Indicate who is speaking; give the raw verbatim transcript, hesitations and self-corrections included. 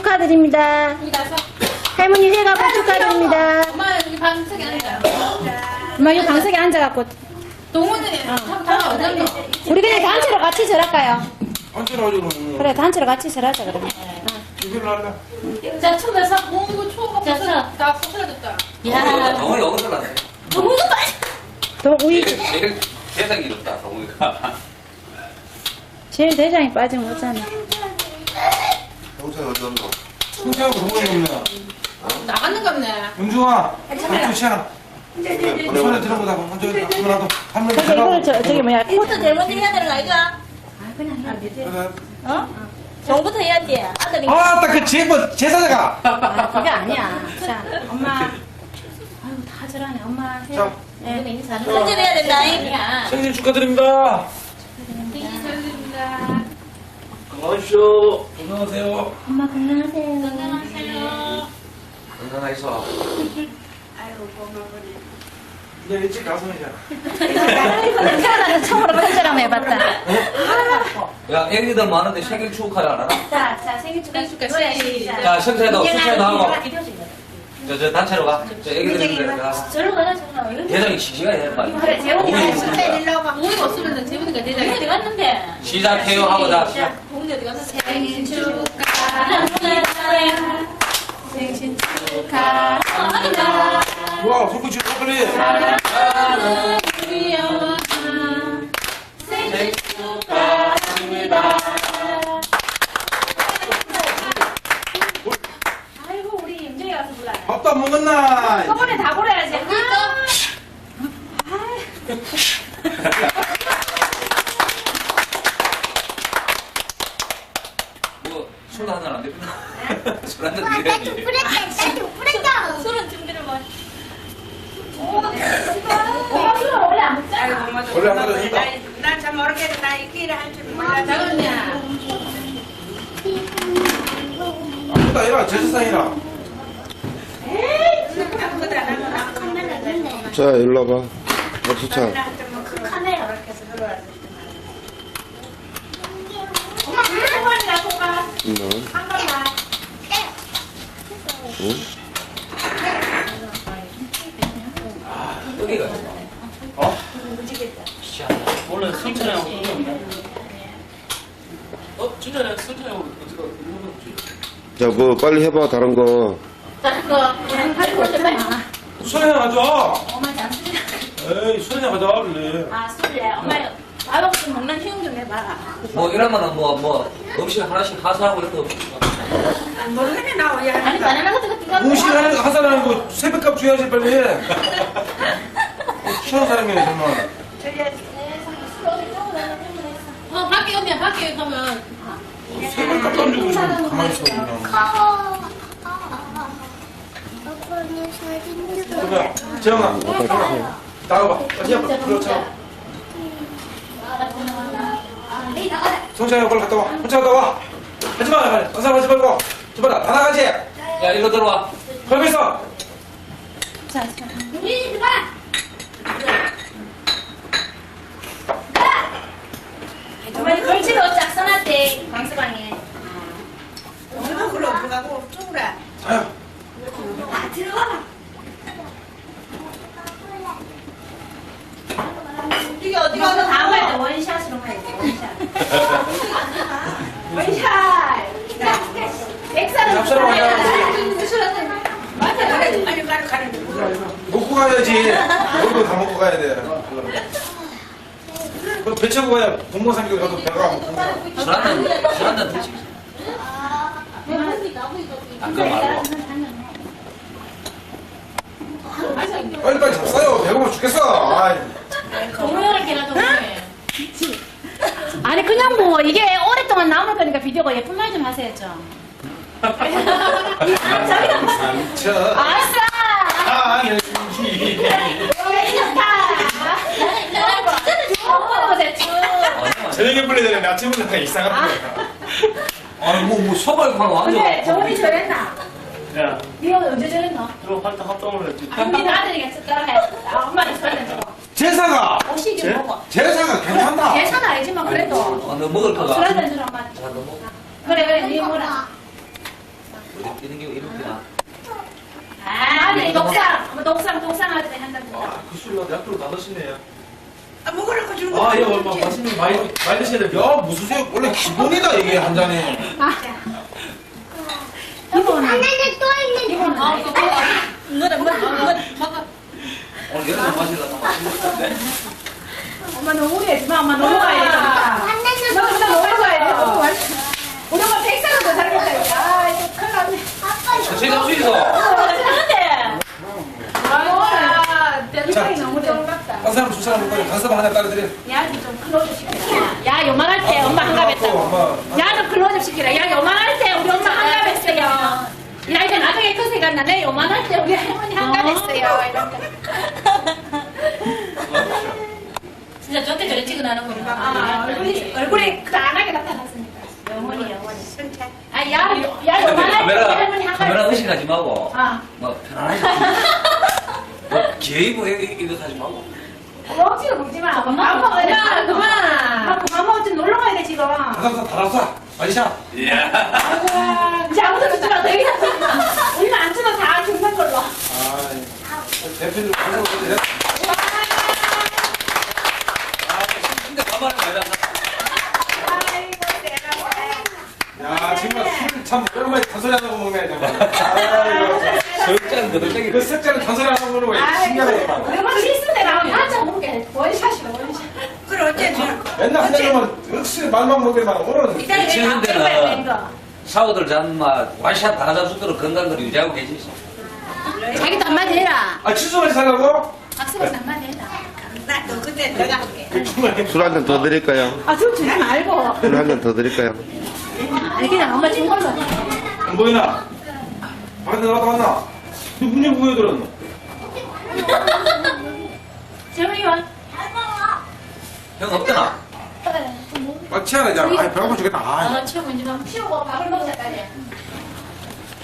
Speaker 1: 축하드립니다. 할머니 회가복 축하드립니다.
Speaker 2: 엄마 여기 방석에 앉아.
Speaker 1: 엄마 여기 방석에 앉아갖고.
Speaker 2: 동호들이 참 다 어딨노?
Speaker 1: 우리 그냥 단체로 같이 절할까요?
Speaker 3: 단체로 하죠 그러면.
Speaker 1: 그래, 단체로 같이 절하자 그러면.
Speaker 3: 이걸로 할래?
Speaker 2: 자, 처음에 싹 공부 초가
Speaker 1: 자, 자.
Speaker 2: 다 부서졌다.
Speaker 1: 야,
Speaker 4: 동훈이 어디서 났어요?
Speaker 2: 동호도 빠져.
Speaker 1: 동, 우리
Speaker 4: 제일 세상이 이롭다, 동훈이가.
Speaker 1: 제일 대장이 빠지면 어쩌나.
Speaker 3: 영상 어디 갔노? 승태하고 동원이 없네.
Speaker 2: 나갔는 겁네.
Speaker 3: 은중아, 박수 치아라. 손에 들어보다 한번 한번라도 한번
Speaker 1: 그래서 이걸 저, 저기 뭐야,
Speaker 5: 부터 제일 먼저 해야 되는 거 아이가?
Speaker 3: 그래.
Speaker 5: 어? 정부터 해야지. 아들이.
Speaker 3: 아, 딱 그 제보 제사자가.
Speaker 1: 아, 그게 아니야. 자, 엄마. 아유, 다 절하네. 엄마 해.
Speaker 3: 자,
Speaker 1: 네.
Speaker 5: 선전 해야 된다. 잉?
Speaker 1: 아니야.
Speaker 3: 생일 축하드립니다.
Speaker 2: 축하드립니다.
Speaker 3: 건강하십시오. 건강하세요.
Speaker 1: 엄마 건강하세요.
Speaker 2: 건강하세요.
Speaker 4: 건강하셔.
Speaker 3: 이제 일찍 가서 해자.
Speaker 1: 태어나서 처음으로 편지를 한번 해봤다.
Speaker 4: 야, 애기들 많은데 생일 축하를 안 하나?
Speaker 1: 자, 자, 생일 축하.
Speaker 2: 생일 축하
Speaker 1: 노래
Speaker 2: 시작.
Speaker 4: 자, 성찬이도, 성찬이도 하고.
Speaker 1: 비디오 찍어.
Speaker 4: 저, 저, 단체로 가. 저 애기들 가.
Speaker 1: 절로 가자, 절로 가자.
Speaker 4: 대장이 씩씩하게 해, 빨리.
Speaker 1: 그래, 재훈이가
Speaker 4: 동훈이
Speaker 1: 진짜
Speaker 4: 있으니까.
Speaker 1: 일로 와봐.
Speaker 2: 동호가 없으면 재훈이가
Speaker 1: 어디
Speaker 2: 대장이.
Speaker 1: 갔는데?
Speaker 4: 시작해요 하고 자, 시작.
Speaker 2: 동훈이 어디 갔어?
Speaker 1: 생일 축하합니다. 생신 축하합니다.
Speaker 3: 와, 손끝 치고 빨리.
Speaker 2: 사랑하는 우리 엄마.
Speaker 1: 생신 축하합니다. 아이고, 우리 임정이 가서 불러요.
Speaker 3: 밥도 안 먹었나?
Speaker 1: 저번에 다 보내야지.
Speaker 4: 뭐, 술 한잔 안 되구나. 술 한잔 드려야지.
Speaker 5: 술은 준비를 뭐.
Speaker 1: 엄마 술은 원래 안 먹잖아.
Speaker 3: 원래 한 그릇 했다.
Speaker 6: 난잘 모르겠는데 나 이 길을 할 줄 몰라.
Speaker 2: 작은이야.
Speaker 3: 아무도 아니라 제사상이라.
Speaker 6: 아무거나 나는 나 카메라 들고
Speaker 7: 자, 일로 와봐. 박수차.
Speaker 6: 카메라 이렇게 해서 들어와서.
Speaker 1: 엄마 한 번이라도 가.
Speaker 7: 응.
Speaker 1: 한 번만.
Speaker 7: 응?
Speaker 4: 여기가.
Speaker 3: 어?
Speaker 8: 원래 승천하고 그런 거 없나? 어? 진짜 내가 승천하고 어디가 이거 없지?
Speaker 7: 자, 뭐, 빨리 해봐, 다른 거.
Speaker 1: 다른 거, 그냥 가지고 올때 빨리 나와.
Speaker 3: 술이나 가져.
Speaker 1: 엄마 잠시.
Speaker 3: 에이, 술이나 가져, 그래.
Speaker 1: 아, 술래. 엄마, 밥 없이 먹는 희용 좀 해봐라.
Speaker 4: 뭐, 이러면은 뭐, 뭐, 음식 하나씩 하사하고 이렇게.
Speaker 6: 모르겠네 나 왜.
Speaker 1: 아니, 바나나 같은 거 뜨거워.
Speaker 3: 음식 하는 거 하사라는 거 새벽값 줘야지, 빨리 해. 취한 사람이네, 정말.
Speaker 2: 어, 밖에 언니야, 밖에 가면.
Speaker 3: 새벽값도 안 주고 지금 가만히 있어, 그냥. 그래, 재영아. 나가봐. 다시 한번. 그렇죠. 성찬이 빨리 갔다 와. 혼자 갔다 와. 하지 마, 빨리. 딴 사람 하지 말고. 저봐라, 다 나가지.
Speaker 4: 야, 일로 들어와.
Speaker 3: 걸고 있어.
Speaker 1: 자, 자.
Speaker 2: 우리 봐.
Speaker 1: 정말 걸치로 쫙 써놨대, 방수방에.
Speaker 6: 누가 그러 누가고 쪼그라.
Speaker 3: 자요.
Speaker 6: 이게 어디
Speaker 1: 이거
Speaker 6: 가서
Speaker 1: 다음 할 때 원샷으로 가야 돼, 원샷. 원샷! 자, 백사는
Speaker 3: 앞사람 아니야.
Speaker 6: 맞아 가래 빨리 가래 가래.
Speaker 3: 먹고 가야지. 너도 다 먹고 가야 돼. 그럼 배 채고 가야 동방삼겹 가도 배가 안 고파.
Speaker 4: 술 한잔, 술 한잔 드시고. 안 그거 말고.
Speaker 3: 빨리빨리 잡싸요. 배고파 죽겠어. 아이.
Speaker 1: 동영을 걔나 동영해. 아니, 그냥 뭐, 이게 오랫동안 남을 거니까 비디오가 예쁜 말 좀 하세요, 좀.
Speaker 3: 상처.
Speaker 1: 아싸!
Speaker 3: 아, 연기.
Speaker 1: 좋다! 어, 대충.
Speaker 3: 저녁에 불러야 되는데 아침부터 다 이상한 거야.
Speaker 4: 아니, 뭐, 뭐, 소발하고 완전.
Speaker 1: 근데 저번에 저랬나?
Speaker 8: 야,
Speaker 1: 니가 언제 저랬나?
Speaker 8: 들어 활동 합동을 했지.
Speaker 1: 우리 아들이가 따라해. 아, 엄마는 저랬는 저거.
Speaker 3: 제사가.
Speaker 1: 옷이 좀 먹어.
Speaker 3: 제사가 괜찮다.
Speaker 1: 괜찮아, 알지만 그래도.
Speaker 4: 어, 너 먹을 거가.
Speaker 1: 술 한잔 주라, 엄마.
Speaker 4: 자, 너 먹어.
Speaker 1: 그래, 그래, 니 뭐라.
Speaker 4: 어디 이런 게 이렇게나.
Speaker 1: 아니 독상 독상 독상할 때 한다.
Speaker 3: 그 술로 약도로 다 넣으시네요.
Speaker 6: 아, 먹으라고 주는 거.
Speaker 3: 아, 예, 얼마 맛있는 거 많이, 많이 드셔야 돼요. 야, 무슨 새 원래 기본이다, 이게 한 잔에.
Speaker 1: 이거는
Speaker 5: 하나는 또 있는 거.
Speaker 2: 아, 그거 먹어.
Speaker 5: 이거는 뭐, 이거.
Speaker 2: 먹어.
Speaker 4: 오늘 여름 마시려다 맛있는데.
Speaker 1: 엄마 너무 우리하지 마. 엄마 놀러 가야 되니까.
Speaker 5: 하나는
Speaker 1: 너 진짜 놀러 가야 돼.
Speaker 5: 또
Speaker 1: 너무 맛있어. 우리 엄마 백살은 더 살겠다. 아, 이거 큰일 났네.
Speaker 4: 천천히 잡수 있어.
Speaker 5: 하는데.
Speaker 1: 아, 대박이 너무 좋은 것 같다.
Speaker 3: 한 사람, 두 사람 먹고 간섭 하나 따라드려.
Speaker 1: 야좀 클로즈 시키라. 야 요만할 때 엄마 한갑 했다고.
Speaker 3: 엄마.
Speaker 1: 야좀 클로즈 시키라. 야 요만할 때 우리 엄마 한갑 했어요. 야 이제 나중에 큰 생각 나네. 요만할 때 우리 할머니 한갑 했어요.
Speaker 2: 진짜 저때 저래 찍어나는 거니까.
Speaker 1: 아, 얼굴이 얼굴이 크다하게 나타났으니까. 영원히 영원히. 아, 야, 야 요만할 때 우리
Speaker 4: 카메라
Speaker 1: 할머니 한갑
Speaker 4: 카메라
Speaker 1: 했어요.
Speaker 4: 의식하지 말고.
Speaker 1: 아.
Speaker 4: 뭐 편안하게. 뭐 개이고 이거 하지 말고.
Speaker 1: 억지로 먹지 마. 엄마 먹어야 돼.
Speaker 2: 그만, 그만.
Speaker 1: 나 그만 먹어. 지금 놀러 가야 돼 지금.
Speaker 3: 다람사, 다람사. 마리샤.
Speaker 4: 이야.
Speaker 1: 이제 아무도 주지 마. 되게 우리는 안 주면 다 죽는 걸로.
Speaker 3: 아, 대표님, 간섭 어때?
Speaker 4: 근데 가만히 말이야.
Speaker 3: 야, 정말 술참 오랜만에 단소리 안 하고 먹네, 정말. 아이고.
Speaker 4: 절대는 너덜
Speaker 3: 그 색깔은 단소리 안 하고 먹는 거야. 신기하다.
Speaker 1: 우리가 실수 내가 한잔 먹게. 원샷이야 원샷.
Speaker 6: 그래, 어째 저.
Speaker 3: 맨날 한 잔만 역시 말만 먹기만 오늘은
Speaker 6: 이따가
Speaker 4: 치는
Speaker 6: 내가
Speaker 4: 데는 샤워들 잔마 와샷 다 잡수도록 건강을 유지하고 계시죠.
Speaker 1: 자기도 한마디 해라.
Speaker 3: 아 칫솔까지 살라고?
Speaker 1: 박수가 한마디 해라.
Speaker 6: 나도 그때 내가 할게.
Speaker 7: 술 한 잔 더 드릴까요?
Speaker 1: 아, 술 주지 말고.
Speaker 7: 술 한 잔 더 드릴까요?
Speaker 1: 아니, 그냥 엄마 준 걸로.
Speaker 3: 안 보이나? 밖에 나갔다 왔나? 누군지 구해 들었노?
Speaker 1: 재훈이 와.
Speaker 4: 형 없잖아.
Speaker 3: 아 치아라 이제. 아 배고파 죽겠다. 아,
Speaker 1: 아, 치우고 이제 좀 치우고 밥을 먹자, 빨리.